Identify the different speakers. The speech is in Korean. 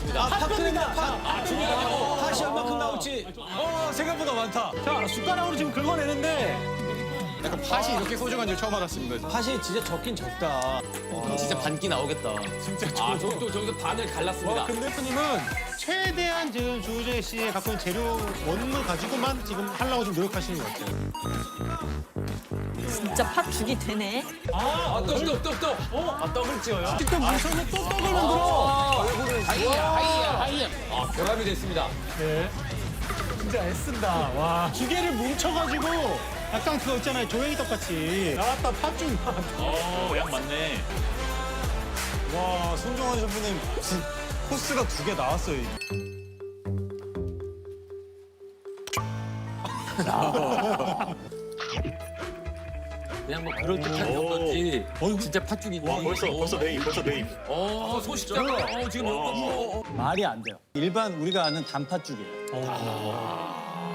Speaker 1: 나왔습니다.
Speaker 2: 팥입니다.
Speaker 1: 중요하고.
Speaker 2: 팥이 얼마큼 나올지. 생각보다 많다.
Speaker 3: 자, 숟가락으로 지금 긁어내는데
Speaker 4: 약간 팥이 이렇게 소중한 줄 처음 알았습니다.
Speaker 2: 팥이 진짜 적긴 적다.
Speaker 1: 진짜 반기 나오겠다. 진짜 저기서 반을 갈랐습니다.
Speaker 3: 대표님은 최대한 지금 조우재 씨의 갖고 있는 재료 원물 가지고만 지금 하려고 좀 노력하시는 것 같아요.
Speaker 5: 진짜 팥죽이 되네.
Speaker 1: 떡을 찍어요.
Speaker 3: 직접 물속에 또 떡을 만들어.
Speaker 1: 하이야. 결합이 됐습니다.
Speaker 3: 진짜 애쓴다. 와. 두 개를 뭉쳐가지고 약간 그거 있잖아요. 조행이떡 같이. 나왔다, 팥죽 나왔다.
Speaker 6: 양 맞네.
Speaker 2: 와, 손정환 셰프님 코스가 2개 나왔어요.
Speaker 1: 그냥 뭐 그럴 듯한 건지. 진짜 팥죽이지.
Speaker 6: 벌써 네임.
Speaker 1: 소식자가 지금
Speaker 2: 말이 안 돼요. 일반 우리가 아는 단팥죽이에요.